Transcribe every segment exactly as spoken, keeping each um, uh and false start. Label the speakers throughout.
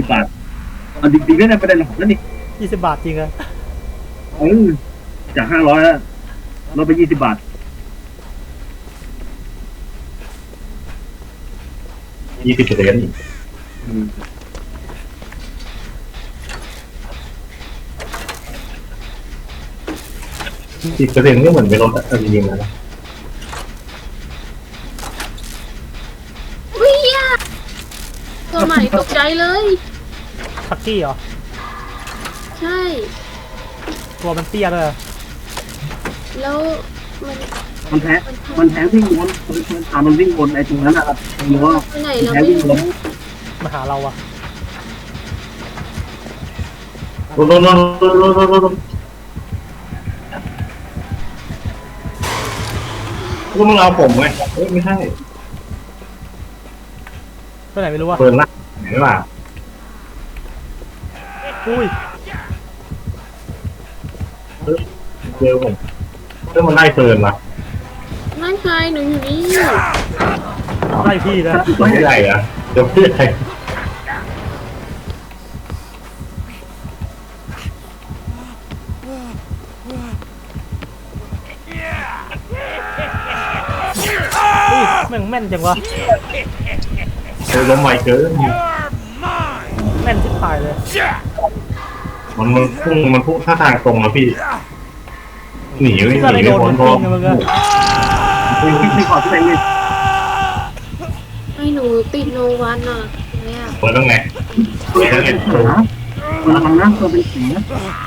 Speaker 1: บาทอันจริงๆไม่ได้ประเด็นหรอกนั่นนี่
Speaker 2: ยี่สิบบาทจริงอะ
Speaker 1: เออจากห้าร้อยแล้วลดไปยี่สิบบาท
Speaker 3: ยี่สิบเปอร์เซ็นต์สิบเปอร์เซ็นต์ก็เหมือนไปลดจริงๆนะ
Speaker 4: วิ่งตัวใหม่ตกใจเลย
Speaker 2: ทักกี้เหรอ
Speaker 4: ใช่
Speaker 2: ตัวมันเตี้ยเลย
Speaker 4: แล้วมัน
Speaker 1: มันแพ้มันแพ้วิ่งวนมันตามมันวิ่งวนไอ้ตรงนั้นนะครับหรือว่าแพ้วิ่งวน
Speaker 2: มาหาเราอะ
Speaker 3: ลดลดลดลดลดลดลดก็มึงเอาผมไงเฮ้ยไม่ใช่
Speaker 2: ตัวไหนไม่รู้อะ
Speaker 3: เปิดละไหนล่ะ
Speaker 2: อุ้ย
Speaker 3: เจอผมเรื่องมันได้เฟิร์นละ
Speaker 4: ไม่ใช่หนูอยู่นี่
Speaker 2: ไล่พี่นะ
Speaker 3: ไม่ใหญ่อะเดี๋ยวพี่ใหญ่
Speaker 2: แม่งแม่นจังวะ
Speaker 3: เจอล้มไวเกิน
Speaker 2: แม่นที่ตายเลย
Speaker 3: มันมันพุ่งมันพุ่งท่าทางตรงแล้วพี่หนีไม่หนีไม่พ้นเพราะ
Speaker 1: ไม่ไม่ขอที่ไหนเลย
Speaker 4: ให้หนูติดโนวันอ่ะเนี่ย
Speaker 3: เปิดต้องไง
Speaker 1: เปิดต้องไงเปิดนะเปิดลังนะเปิดเป็นสีนะ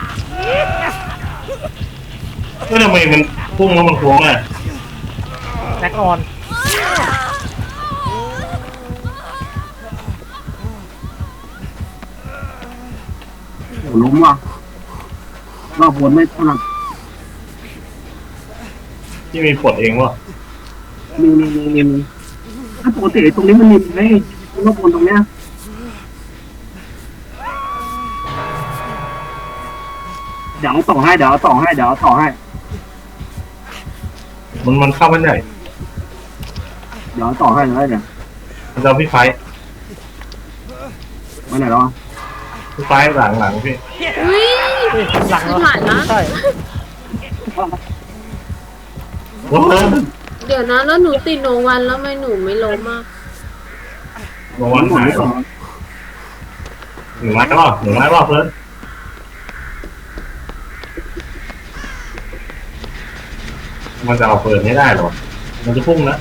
Speaker 3: ก็ทำไมมันพุ่งแล้วมันโค้งอ่ะ
Speaker 2: แบ็คออน
Speaker 1: โอ้ล้มว่ะรอบวนไม่เท่าไหร่
Speaker 3: ที่มีปลดเองวะ
Speaker 1: มีมีมีมีถ้าปกติตรงนี้มันมีไหมรอบวนตรงเนี้ยเดี๋ยวต่อให้เดี๋ยวต่อให้เดี๋ยวต่อให้
Speaker 3: มันมันเข้ามันใหญ่
Speaker 1: เดี๋ยวต่อให้เลยเนี่ย
Speaker 3: มันจะพี่ไฟ
Speaker 1: มาไหนแล้ว
Speaker 3: พี่ไฟหลังหลังพี่
Speaker 4: วิ่ง
Speaker 2: หลัง
Speaker 4: ผ่านนะ
Speaker 2: ใช่
Speaker 4: เดี๋ยวนะแล้วหนูติดโนวันแล้วไม่หนูไม่ล้มอ่ะ
Speaker 3: โนวันหายหนึ่งไม้รอบหนึ่งไม้รอบเพิ่มมันจะเอาเปิดไม่ได้หรอมันจะพุ่งนะ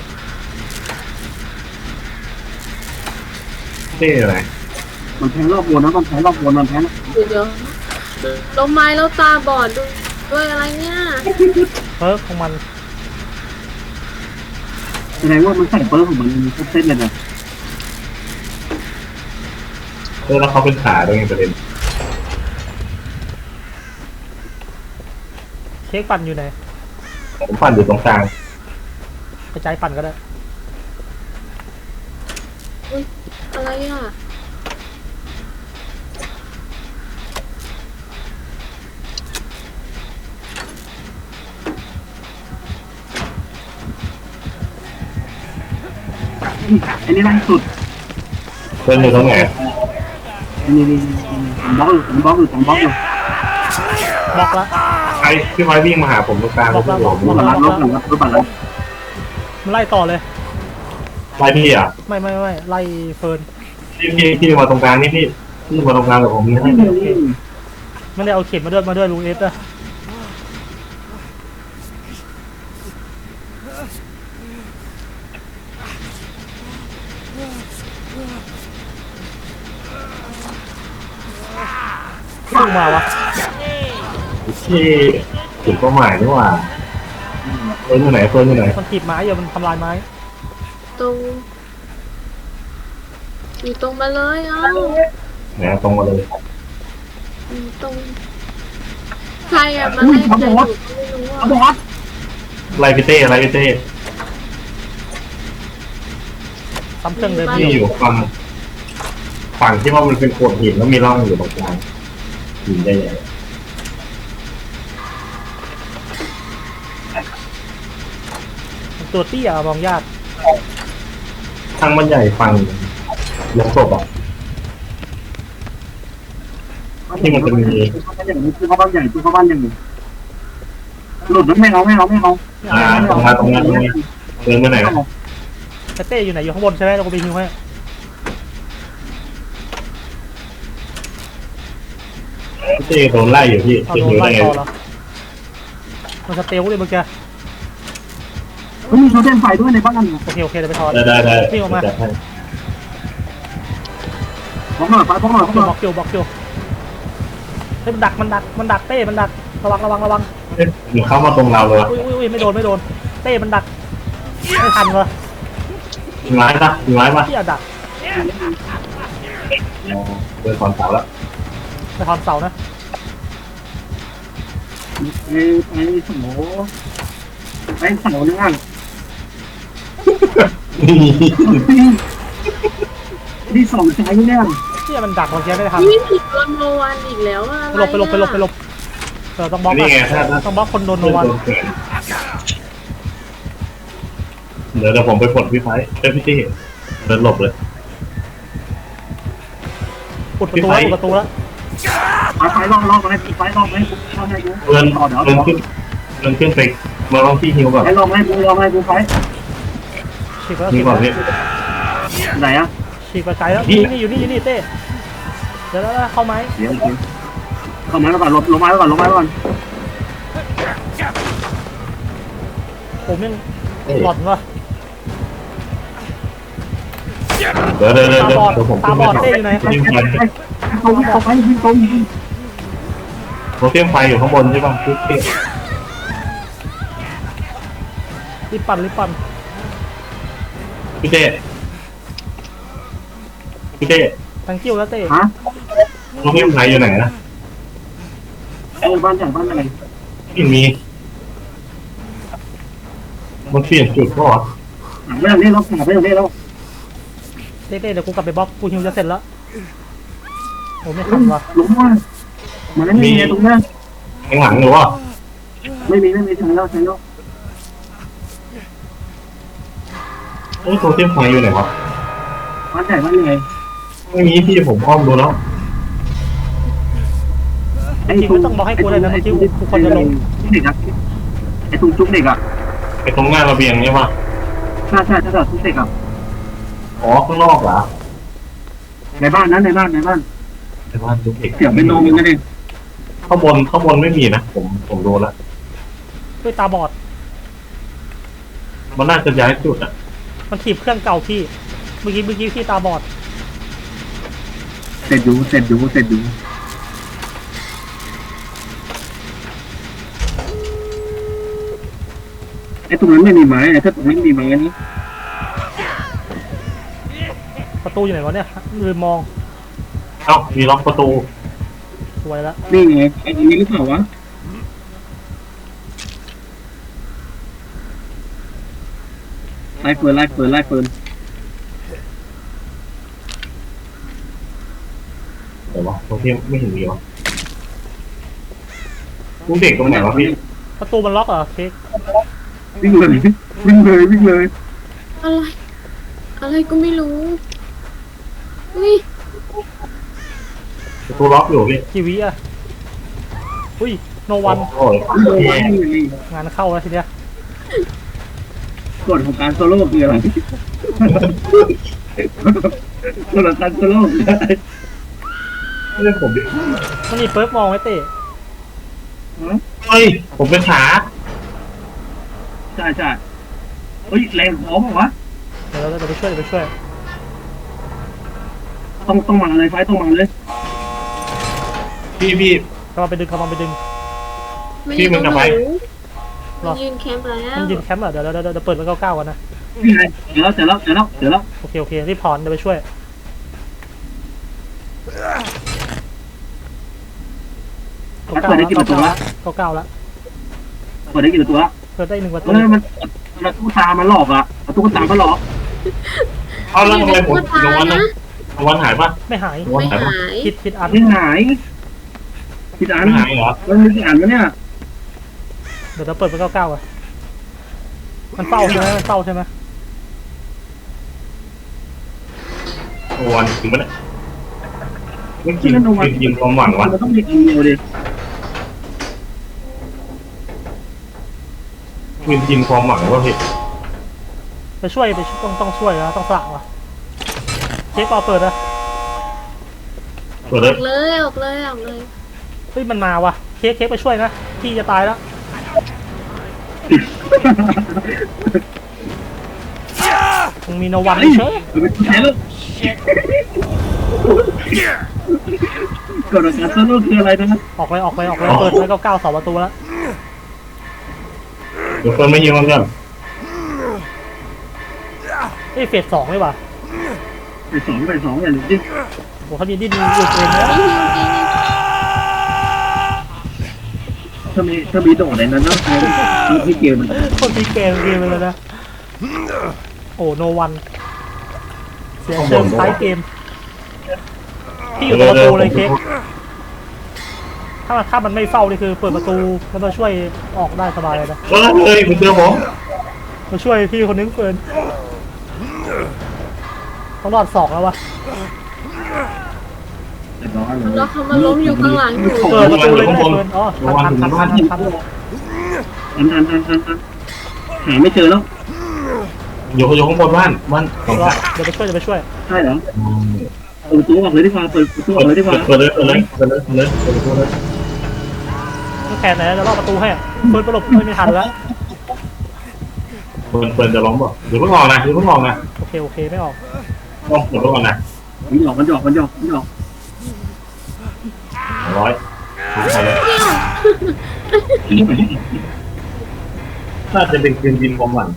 Speaker 3: นี่อะไร
Speaker 1: มันแพ้รอบวนนะมันแพ้รอบวนมันแพ้นะ
Speaker 4: เดี๋ยวล้มไม้แล้วตาบอดด้วยอะไรเนี่ย
Speaker 2: เพิร์กของมัน
Speaker 1: แสดงว่ามันใส่เปิร์กของมันมีทุกเส้นเลยนะ
Speaker 3: เออแล้วเขาเป็นขาด้วยไงประเด็น
Speaker 2: เค้กปั่นอยู่ไหน
Speaker 3: ผมปั่นอยู่ตรงกลาง
Speaker 2: ไปใจปั่นก็ได้
Speaker 4: อุ้ยอะไรอ่ะ
Speaker 1: อันนี้ล่าสุด
Speaker 3: เป็นอยู่ตรงไหน
Speaker 1: นี่นี่บล็อกอยู่บล็อกอยู่บล็อกอยู่
Speaker 2: บล็อกละ
Speaker 3: ไอ้พี่ไม้วิ่งมาหาผมตรงกลาง
Speaker 2: บล็อกละบล็อก
Speaker 1: ละบล็อกละบล็อกละบล็อกละ
Speaker 2: มันไล่ต่อเลย
Speaker 3: ไล่พี่อ่ะ
Speaker 2: ไม่ไม่ไม่ไล่เฟิร์น
Speaker 3: พี่พี่พี่มาตรงกลางนี่พี่พี่มาตรงกลางกับผมนี่
Speaker 2: ไม่ได้เอาเข็มมาด้วยมาด้วยลุงเอฟอะพุ่งมาวะ
Speaker 3: ที่จุดเป้าหมายนี่ว่าเฟิร์นอยู่ไหนเฟิร์นอยู่ไหน
Speaker 2: มันถีบไม้อยู่มันทำลายไม้
Speaker 4: ตรงอยู่ตรงมาเลยเอ้า
Speaker 3: เนี่ยตรงมาเลย
Speaker 4: ตรงใครอะมาให้ใจอยู่ไม่รู้อ่ะ
Speaker 3: ไลพิเต้ไลพิเต้
Speaker 2: ซ้ำเครื่องเดิม
Speaker 3: ที่อยู่ฝั่งฝั่งที่ว่ามันเป็นโขดหินแล้วมีร่องอยู่ตรงกลางหินใหญ่
Speaker 2: ตัวเตี้ยมองยาก
Speaker 3: ทางมันใหญ่ฝั่งลงศพอ่ะที่มันจะมี
Speaker 1: เข้าบ้านอย่างนี้คือเข้าบ้านใหญ่คือเข้าบ้านอย่างนี้หลุดไม่เอาไม่เอาไม่เอา
Speaker 3: อ่าตรงมาตรงมาตรงนี้เดินไปไหนนะ
Speaker 2: แต่เต้อยู่ไหนอยู่ข้างบนใช่ไหมเราก็ไปฮิวให้
Speaker 3: พี่เต้โดนไล่อยู่พี่
Speaker 2: เอา
Speaker 3: จะ
Speaker 2: โด
Speaker 3: อน ยู่
Speaker 2: ไล่
Speaker 3: ได้ไง
Speaker 2: ต่อแล้วมันสเตลเลยเมื่อกี้
Speaker 1: มันมีโซเดียมไฟด้วยในบ้าน
Speaker 2: โอเคโอเคเดี๋ยวไปถอน
Speaker 3: ได้ได้ได้
Speaker 2: วิ่งออกมา
Speaker 3: จัดให้
Speaker 1: พร้อมหน่อยไฟพร้อมหน่อยพร้อมหน่อย
Speaker 2: บล็อกคิวบล็อกคิวเฮ้ยมันดักมันดักมันดักเต้มันดักระวังระวังระวัง
Speaker 3: เอ๊ะหนูเข้ามาตรงเราเลย
Speaker 2: อุ้ยอุ้ยอุ้ยไม่โดนไม่โดนเต้มันดักไม่ทันวะ
Speaker 3: มีไม้ปะมีไม้ปะ
Speaker 2: ที่อะดัก
Speaker 3: อ๋อเดินถอนเสาแล้ว
Speaker 2: ไปถอนเสานะ
Speaker 1: ไปไปเสาไปเสาเนี่ยนี่สองใจเนี่ย
Speaker 2: ที่มันดักเมื่อกี้ไม่ทัน
Speaker 4: นี่ผิดโดนโนวันอีกแล้วอะ
Speaker 2: ไปหลบไปหลบไปหลบไปหลบเออต้องบล็อก
Speaker 3: นี่ไงถ้า
Speaker 2: อะ
Speaker 3: ถ้า
Speaker 2: ต้องบล็อกคนโดนโนวัน
Speaker 3: เดี๋ยวเดี๋ยวผมไปปลดพี่ไฟเอ้ยพี่ตี้เดินหลบเลย
Speaker 2: ปุดประตูแล้วปุดประตูแล้ว
Speaker 1: ไฟไฟลองลองมาให้ไฟลองให้ลองให้ดู
Speaker 3: เดิน
Speaker 1: ต่อเดี๋ยว
Speaker 3: เดินขึ้นเดินขึ้นไปมาลองที่ฮิวก่อน
Speaker 1: ไฟลองให้ดูลองให้ดูไฟ
Speaker 2: ฉีกแล้ว
Speaker 3: ฮิ
Speaker 2: ฉี
Speaker 3: ว
Speaker 2: ก
Speaker 3: ก่อน
Speaker 2: แล้ว
Speaker 3: พี่
Speaker 1: ไหนอ่ะ
Speaker 2: ฉีกไปไกลแล้วนี่นี่อยู่นี่อยู่นี่เต้เดี๋ยวแล้วเข้าไหม
Speaker 1: เดี๋ยวเข้ามาแล้วก่อนลงลงมาแล้วก่อนลงมาแล้วก่อน
Speaker 2: ผมยังหลอนวะ
Speaker 3: เดี๋ยวเดี๋ยวเดี๋ยว
Speaker 2: ตาบอด
Speaker 3: เดี๋ยวผม
Speaker 2: ตาบอดเต้อยู่ไหน
Speaker 1: ไปไปไปตรงเข้าไปที่ตรง
Speaker 3: โรเทียมไฟอยู่ข้างบนใช่ป่ะพี่ตี้
Speaker 2: รีบปั่นรีบปั่น
Speaker 3: พี่เต้พี่เต้
Speaker 2: ทั้งกิ้วแล้วเต้
Speaker 1: ฮะ
Speaker 3: โรเทียมไฟอยู่ไหนนะ
Speaker 1: เออบ้านใหญ่บ้านอะไร
Speaker 3: ไม่มีมันเปลี่ยนจุดก็เหรอ
Speaker 1: ไม่ต้องเล่นแล้วไม่ต้องเล่นแล้ว
Speaker 2: เต้เต้เดี๋ยวกูกลับไปบล็อกกูฮิวจะเสร็จแล้วโอ้ไม่ทันวะ
Speaker 1: หลงว่ามันไม่มีตรงนั้น
Speaker 3: ข้างหลังหรือว่า
Speaker 1: ไม่มีไม่มีใช้แล้วใช้แล้ว
Speaker 3: เอ้ยโรเทียมไฟอยู่ไหนวะ
Speaker 1: บ้านใหญ่บ้านใหญ่
Speaker 3: ไม่มีพี่ผมอ้อมดูแล้ว
Speaker 2: จริงไม่ต้องบล็อกให้กูเลยนะเมื่อกี้กูคนจะลง
Speaker 1: เด็กอะไอ้ตุ้งจุ๊บเด็กอะ
Speaker 3: ไอ้ตรงหน้าระเบียงเนี่ยป่ะ
Speaker 1: ใช่ใช่ใช่ใช่ทุกเด็กอะ
Speaker 3: อ๋อข้างนอกเหรอ
Speaker 1: ในบ้านนั้นในบ้านในบ้าน
Speaker 3: ในบ้านทุกเด็ก
Speaker 1: เสียงเป็นโนมันก็เด็ก
Speaker 3: ข้างบนข้างบนไม่มีนะผมผมดูแล้ว
Speaker 2: ด้วยตาบอด
Speaker 3: มันน่าจะย้ายจุดอ่ะ
Speaker 2: มันถีบเครื่องเก่าพี่เมื่อกี้เมื่อกี้พี่ตาบอด
Speaker 1: เสร็จดูเสร็จดูเสร็จดูไอ้ตรงนั้นไม่มีไม้ไอ้ถ้าตรงนี้มีไม้นี้
Speaker 2: ประตูอยู่ไหนวะเนี่ยลืมมอง
Speaker 3: เอ้ามีล็อกประตู
Speaker 2: สวยแล้ว
Speaker 1: นี่ไงไอ้ตรงนี้หรือเปล่าวะไล่เฟิร์นไล่เฟิร์นไล่เฟิร์น
Speaker 3: เดี๋ยววะตรงที่ไม่เห็นมีวะลูกเด็กตรงไหนวะพี่
Speaker 2: ประตูมันล็อกเหรอเค้ก
Speaker 1: วิ่งเลยวิ่งเลยวิ่งเลย
Speaker 4: อะไร อะไรก็ไม่รู้อุ้ย
Speaker 3: ประตูล็อกอยู่พี่
Speaker 2: กี่วิอะอุ้ยโนวัน
Speaker 3: โอ้ย
Speaker 2: งานเข้าแล้วทีเนี้ย
Speaker 1: กฎของการโซโล่คืออะไรกฎของการโซโล่
Speaker 3: ไม่ใช่ผมดิ
Speaker 2: มันมีเปิร์กมองไว้เต้
Speaker 3: เฮ้ยผมเป็นขา
Speaker 1: ใช่ใช่เฮ้ยแรงพร้อมวะ
Speaker 2: เดี๋ยวเราจะไปช่วยเดี๋ยวไปช่วย
Speaker 1: ต้องต้องมาเลยไฟต้องมาเลย
Speaker 3: พี่พี่
Speaker 2: กำลังไปดึงกำลังไปดึง
Speaker 4: ไม่ได้ต้องรู้
Speaker 2: หรอ
Speaker 4: มันยืนแคมป์แล้ว
Speaker 2: มันยืนแคมป์เหรอเดี๋ยวเดี๋ยวเดี๋ยวเดี๋ยวเปิดมันเก้าเก้ากันนะ
Speaker 1: นี่ไงเดี๋ยวแล้วเดี๋ยวแล้วเดี๋ยวแล้วเดี๋ยวแล้ว
Speaker 2: โอเคโอเครีบถอนเดี๋ยวไปช่วย
Speaker 1: เปิดได้กี่ประตูละ
Speaker 2: เก้าเก้าแล้ว
Speaker 1: เปิดได้กี่ประตูละ
Speaker 2: เปิดได้หนึ่งประตู
Speaker 1: เออมันประตูตามันหลอกอ่ะประตูตามันหลอก
Speaker 3: เอาแล้วทำไมผมลงวันนะลงวันหายป่ะ
Speaker 2: ไม่หาย
Speaker 3: ลงวัน
Speaker 4: ไม่
Speaker 3: หายป่ะ
Speaker 4: หาย
Speaker 2: คิดคิดอัน
Speaker 1: ไม่หายพี่อัน
Speaker 3: ไม่หายเหรอ
Speaker 1: มันมีกี่อันวะเนี่ย
Speaker 2: เดี๋ยวเราเปิดมันเก้าเก้าอ่ะมันเฝ้าใช่ไหมมันเฝ้าใช่ไหม
Speaker 3: โอ้วันถึงปะเนี่ยไม่กินไม่กินความหวังวะ
Speaker 1: มันต้องมีอันเดียวดิ
Speaker 3: ไม่กินความหวังว่าพี่
Speaker 2: ไปช่วยไปช่วยต้องต้องช่วยนะต้องสละวะเค้กปอเปิดนะ
Speaker 3: เปิด
Speaker 4: อ
Speaker 3: เล
Speaker 4: อย กเลยออกเลยออกเลย
Speaker 2: เฮ้ยมันมาวะเค้กเค้กไปช่วยนะพี่จะตายแล้วมึงมีโนวันไม่เชื่อ
Speaker 1: เป็นแพ้แล้วกฎการสรุปคืออะไรนะครับ
Speaker 2: ออกเลยออกเลยออกเลยเปิดแล้วก็ก้าวเสาประตูแล้ว
Speaker 3: เดี๋ยวเฟิร์นไม่ยิงมันกัน
Speaker 2: เอ้ยเฟสสองเลยว่ะ
Speaker 1: ไปสองไปสองอย่างนี้
Speaker 2: โอ้เขามีดิ้นหลุดเองนะ
Speaker 4: นี่ฮิวจริง
Speaker 1: ถ้ามีถ้ามีโดดในนั้นนะที่เกมมัน
Speaker 2: คนที่เกมเกมเลยนะโอ้โนวันเสียเชิงท้ายเกมพี่อยู่ตรงประตูเลยเค้กถ้าถ้ามันไม่เฝ้านี่คือเปิดประตูแล้วมาช่วยออกได้สบายเลยนะ
Speaker 3: เออเฮ้ยคุณเจอผม
Speaker 2: มาช่วยพี่คนนึงเฟิร์นต้องรอดสองแล้ววะ
Speaker 4: ๆแล้วเขามาล้มอยู่ข้างหลังอยู่
Speaker 2: เปิดประตูเลยนะเฟิร์นอ๋อทันทันทันทันทัน
Speaker 1: ทันทันทันทันทันหาไม่เจอแล้ว
Speaker 3: อยู่อยู่ข้างบนบ้านบ้านของ
Speaker 2: รอ
Speaker 3: ข้า
Speaker 2: เดี๋ยวไปช่วยเดี๋ยวไปช่วย
Speaker 1: ใช่เหรอเปิดประตูออกเลยดีกว่าเปิดประตูออกเลยดีกว่า
Speaker 3: เปิดเลยเปิดเลยเปิดเลยเปิดเลยเปิดเลย
Speaker 2: ต้องแขนไหนจะรอประตูให้เฟิร์นประหลบไม่ทันแล้ว
Speaker 3: เปิดเปิดจะล้มป่ะเดี๋ยวเพิ่งออกนะเดี๋ยวเพิ่งออกนะ
Speaker 2: โอเคโอเคไม่ออก
Speaker 3: ต้องเปิดเพิ่งออกนะ
Speaker 1: มันหยอกมันหยอกมันหยอกมันหยอก
Speaker 3: ร้อยน่าจะเป็นคืนยินความหวัง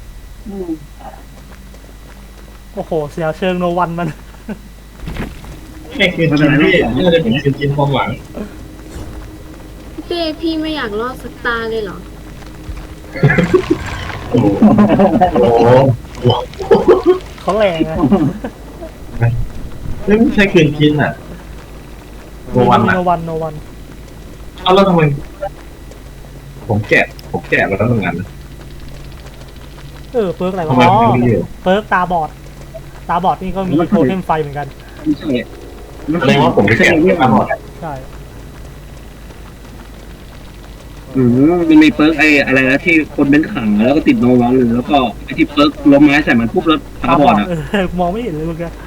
Speaker 2: โอ้โหเสียเชิงโนวันมัน
Speaker 3: แค่คืนยินพี่น่าจะเป็นคืนยินความหวัง
Speaker 4: เป้พี่ไม่อยากรอดสักตาเลยเหรอ
Speaker 3: โอ้โหโอ้โห
Speaker 2: เขาแรงอะ
Speaker 3: ไม่ใช่คืนยินอ่ะโนวันอ่ะ
Speaker 2: โนวันโนวัน
Speaker 3: เอาแล้วทำไมผมแกะผมแกะมาแล้วเหมือนกัน
Speaker 2: เออเปิร์กอะไรวะ
Speaker 3: ทำไม
Speaker 2: อ๋อ
Speaker 3: ไม่มีอยู่
Speaker 2: เปิร์กตาบอดตาบอดนี่ก็มีโทเทมไฟเหมือนกัน
Speaker 1: ไม่ใช่
Speaker 3: แสดงว่าผมแกะมาหมด
Speaker 2: ใช่
Speaker 1: อืมมันมีเปิร์กไอ้อะไรนะที่คนเป็นขังแล้วก็ติดโนวันแล้วก็ไอ้ที่เปิร์กล้มไม้ใส่มันปุ๊บแล้วตาบอดอ่ะ
Speaker 2: เออมองไม่เห็นเลยเมื่อกี้